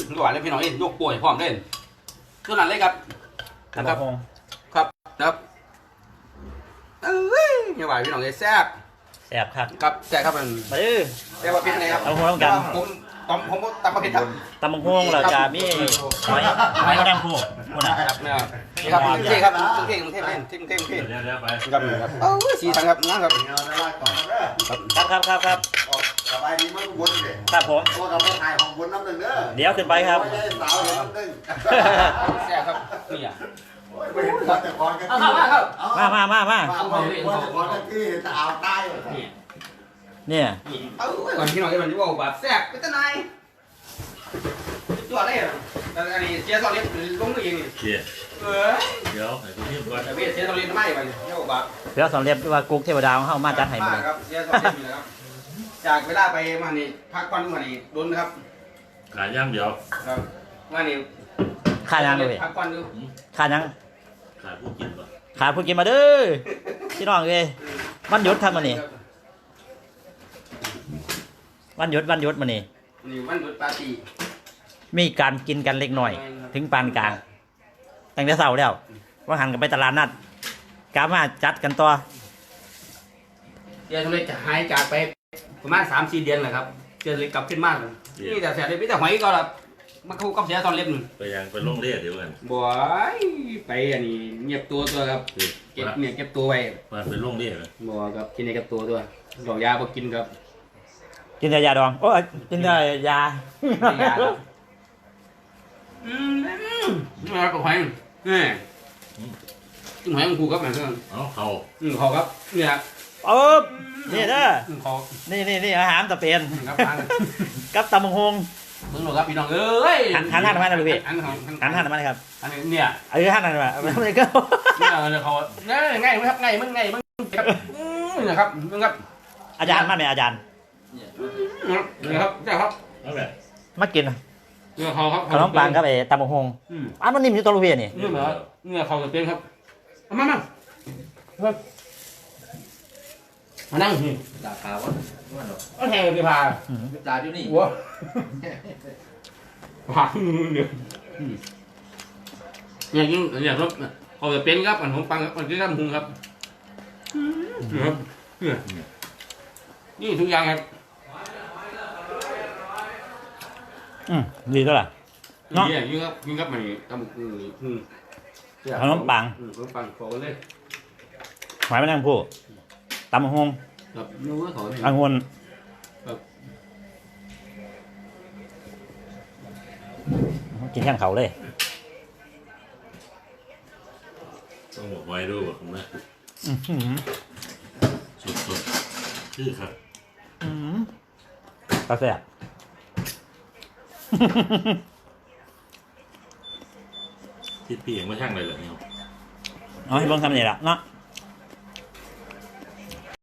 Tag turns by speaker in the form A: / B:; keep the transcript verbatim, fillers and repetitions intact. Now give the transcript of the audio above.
A: หวานเลยพี่น้องเอ็นยกป่วยพร้อมเล่นตัวนั้นเลยครับนะครับครับนะครับเอ้ยหวานพี่น้องเอ็นแซ่บ
B: แซ่บครับ
A: ครับแซ่บครับมัน
B: มาดื้อ
A: แซ่บว่าเป็นไงครับ
B: ตำบักหุ่งกัน
A: ผมตำผมตำมาเผ็ดครับ
B: ตำบักหุ่งเราจะมีหอยหอยกระดังคู่คุณนะครับ
A: นี่ครับนี่ครับมึงเท่มึงเท่เล่นเท่มึงเท่มึงเท่
C: เดี๋ยวเดี๋ยวไป
A: ครับครับเอ้ยสีสันครับนะครับ
B: ครับครับครับ
D: สบายดีมั้งบนเลย
B: ครับผม
D: พวกเราไปถ่ายของบนน้ำหนึ่งเด้อ
B: เดี๋ยวขึ้นไปครับ
D: สาวเห็นน้ำหนึ่ง
A: แซ่บครับนี่อ่ะ
D: ไม่เห็นคนแต่ก่อนกันที่
B: มามามามา
D: ไม่เห็นคนแต่ก่อนกันที่เห็นแต่อ่าวใต้
B: เนี่ย
A: เอ้ยก่อนพี่น้องที่มันจะบอกแบบแซ่บเป็นต้นไม้ตัวอะไรอ่ะอันนี้เสียสองเล็บลงมือเองนี่
C: เชี่ย
A: เออ
C: เดี๋ยวให้คุณพี่ก่อน
A: แต่เบี้ยเสียสองเล็บไม่ไปเนี่ยบอกแบบ
B: เสือสองเล็บว่ากุ๊กเทวดาของเขามาจัดให้มาเลย
A: ครับเสียสองเล็บนี่ครับจากเวลาไปมานี่พักผ่อนมานี่โดนครับ
C: ขายย่างเดียว
A: ครับมานี่
B: ค่ายังเลย
A: พักผ่อนดู
B: ค่ายัง
C: ขายผู้กินป่ะ
B: ขาพูดกินมาเด้อพี่น้องเลยวันหยุดครับมันนี่วันหยุดวันหยุดมันนี่
A: นี่วันหยุดปาร์ตี้
B: มีการกินกันเล็กหน่อยถึงปานกลางตั้งแต่เช้าแล้วว่าหันกันไปตลาดนัดกามาจัดกันต่อ
A: เดี๋ยวทำเลยจะหายจากไปประมาณสามสี่เดือนแหละครับเจอเลยกลับขึ้นมากนี่แต่เสียเลยไม่แต่หอยก็แบบมันคู่กับเสียตอนเล็บหนึ่ง
C: ไปยังไปลงเรียเดี๋ยวกัน
A: บ่อยไปอันนี้เงียบตัวตัวครับเก็บเนี่ยเก็บตัวไว้
C: มาไปลงเรียเลย
A: บ่ครับกินในกับตัวตัวดอกยาบ่กินครับ
B: กินแต่ยาดองโอ้ยกินแต่ยา
A: อืมนี่ครับหอยนี่กินหอยมันคู่กับอะไรเพื่อน
C: อ๋อเขา
A: อืมเขาครับเนี่ย
B: เออนี่เด้อนี่นี่นี่อาหารตะเพียนกับตำบักหุ่ง
A: มึงหรอครับพี่น้องเอ้ย
B: หันหันหันมาเลยพี่
A: หัน
B: หันหันมาเลยครับ
A: อันนี้เนี่ย
B: เออหันหันมาไม่ต้องเลยก็
A: เนี่ยเขาง่ายง่ายไหมครับง่ายมึงง่ายมึงครับนี่นะครับมึงครับ
B: อาจารย์มาไหมอาจารย์
A: นี่ครับเจ้าครับ
B: มากิน
A: เนี่ยเขาครับ
B: ขนมปังครับไอ้ตำบักหุ่งอันมันนิ่มอยู่ตัวลูกเพียนี่
A: นี่เหรอเนี่ยเขาจะเป็นครับมามามานั่งนี่
D: ด่าขาวะ
A: ก็แทงเลยพา
D: ด่าอยู่นี่
A: วัวผ่าเนี่ยเนี่ยยิ่งเนี่ยครับเขาจะเป็นครับอันของปังมันคือข้ามหุงครับครับนี่ทุกอย่างครับ
B: อืมดีเท่าไหร่
A: เนาะยิ่งครับยิ่งครับมันทำอืม
B: ขนมปัง
A: ขนมปังขอกันเลย
B: หมายไม่นั่งพูดตำบักหุ่ง
A: ครับนู้นขอ
B: อังุ่นกินแค่เขาเลย
C: ต้องบอกไว้ด้วยบอกนะสุดสุดชื่อครับ
B: กาแฟ
C: ที่พี่เองไม่ช่างเลยเหรอเนี่ย
B: เอาให้บ้องทำนี่แหละเนาะ